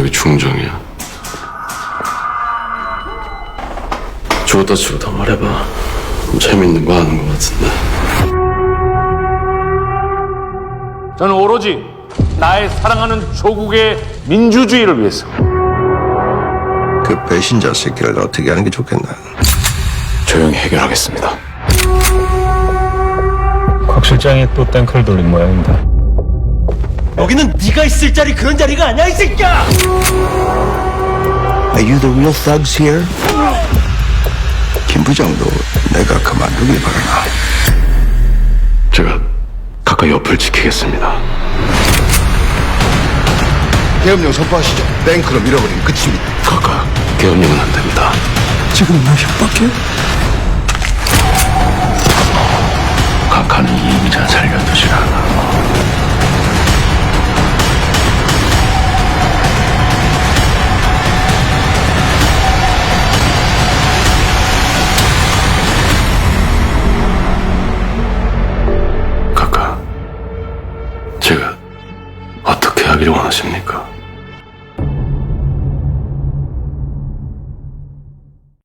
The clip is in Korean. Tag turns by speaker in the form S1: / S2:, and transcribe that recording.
S1: 왜 중정이야? 죽었다 치고 더 말해봐. 뭐 재밌는 거 하는 거 같은데.
S2: 저는 오로지 나의 사랑하는 조국의 민주주의를 위해서
S3: 그 배신자 새끼를 어떻게 하는 게 좋겠나?
S4: 조용히 해결하겠습니다.
S5: 곽 실장이 또 땡크를 돌린 모양입니다.
S6: 여기는 네가 있을 자리 그런 자리가 아니야 이 새끼야.
S3: Are you the real thugs here? 김 부장도 내가 그만두길 바라나.
S1: 제가 가까이 옆을 지키겠습니다.
S3: 계엄령 선포하시죠. 탱크로 밀어버리면 끝입니다.
S1: 가까 계엄령은 안 됩니다.
S3: 지금 나 협박해?
S1: 각하는 이임자 살려두질 않아. 각하, 제가 어떻게 하기를 원하십니까?